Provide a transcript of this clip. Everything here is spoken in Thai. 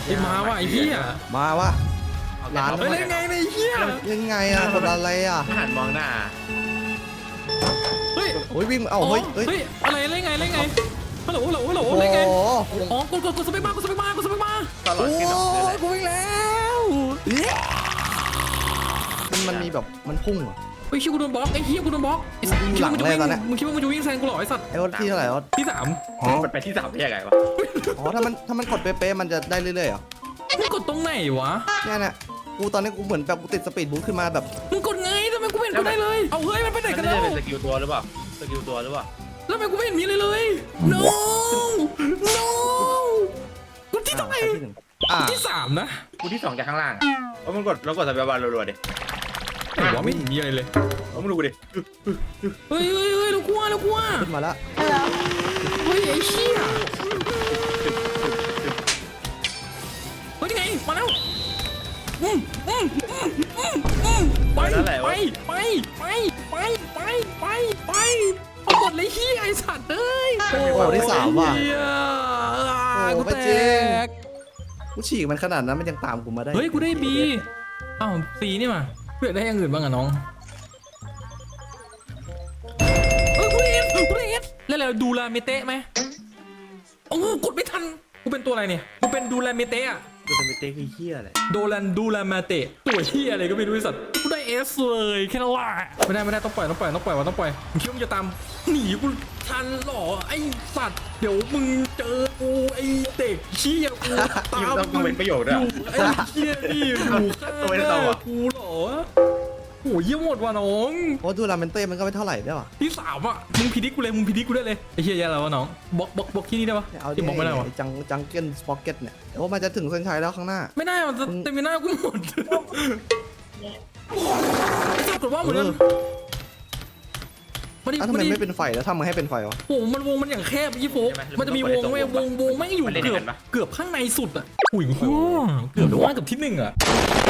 ไอ้มาว่ะไอ้เหี้ยมาวะร้านเฮ้ยได้ไงเนี่ยไอ้เหี้ยยังไงอะกดอะไรอะหันมองหน้าเฮ้ยโอ้ยวิ่งเฮ้ยเฮ้ยอะไรได้ไงได้ไงฮัลโหลฮัลโหลฮัลโหลโอ้ได้ไงโหอ๋อกดสเปคบาร์กดสเปคบาร์กดสเปคบาร์ตลอโอ้ดขึ้นออกเลยยกูวิ่งแล้วมันมีแบบมันพุ่งเหรอเฮ้ยชิวกูโดนบล็อกไอ้เหี้ยกูโดนบล็อกไอ้สัตว์หลังเลยตอนเนี้ยมึงคิดว่ามึงจะวิ่งแซงกูเหรอไอ้สัตว์ไอ้วัดที่เท่าไหร่วัดที่สามมันไปที่3ได้ยังไงวะอ๋อถ้ามันกดเป๊ะๆมันจะได้เรื่อยๆเหรอมึงกดตรงไหนวะเนี่ยกูตอนนี้กูเหมือนแบบกูติดสปีดบูทขึ้นมาแบบมึงกดไงทำไมกูไม่เห็นกูได้เลยเอาเฮ้ยมันไปไหนมันกันน่าแล้วจะเป็นสกิลตัวหรือเปล่าสกิลตัวหรือเปล่าแล้วทำไมกูไม่เห็นมีเลยเลย no no กูที่เท่าไหร่ที่หนึ่งอ่าที่สามนะกูที่2จากข้างล่างเพราะมันกดสเปซบาร์รัวๆดิไหนวะไม่เห็นมีอะไรเลยเอามึงดูดิเฮ้ยเรากลัวขึ้นมาแล้วเฮ้ยไอ้เชี่ยเฮ้ยนี่ไงมาแล้วไปเอาหมดเลยเฮียไอ้สัตว์เอ้ยโอ้ที่สามว่ะเฮียโอ้กูไม่แตจริงกกูฉีกมันขนาดนั้นมันยังตามกูมาได้เฮ้ยกูได้บีอ้าวซีนี่มาเพื่อได้อย่างอื่นบ้างอะน้องเฮ้ยกูได้เอสแล้วเราดูลาเมเตะไหมโอ้กดไม่ทันกูเป็นตัวอะไรเนี่ยกูเป็นดูลาเมเตะอะดูสเปซคือเฮียอะไรดูลามาเตะตัวเฮียอะไรก็ไม่รู้ไอ้สัตว์กูได้เอสเลยแค่นั้นแหละไม่ได้ต้องปล่อยมึงคิดว่ามึงจะตามหนีกูทันหรอไอ้สัตว์เดี๋ยวมึงเจอกูไอ้เด็กเชี่ยกูตามต้องเป็นประโยชน์อด้วยยู่ไอ้เชี่ยนี่อยู่ข้างหน้ากูเหรอโอ้ยเยี่ยมหมดว่ะน้องโอ้ดูลาเมนเต้มันก็ไม่เท่าไหร่ได้ว่ะที่สามอ่ะมึงพิดิกกูได้เลยไอ้เฮียแย่แล้ววะน้องบล็อกที่นี่ได้ปะเอาดิที่บล็อกไม่ได้วะจังเกิลสป็อกเก็ตเนี่ยโอ้มันจะถึงเส้นชัยแล้วข้างหน้าไม่ได้มันเต็มหน้ากูหมดไอ้สัตว์กดว่าเหมือนกันอ้าวทำไมไม่เป็นไฟแล้วทำมาให้เป็นไฟวะโอ้มันวงมันอย่างแคบยี่โฟกมันจะมีวงไม่วงไม่อยู่เกือบข้างในสุดอ่ะอุ้ยเกือบว่ากับที่หนึ่งอ่ะ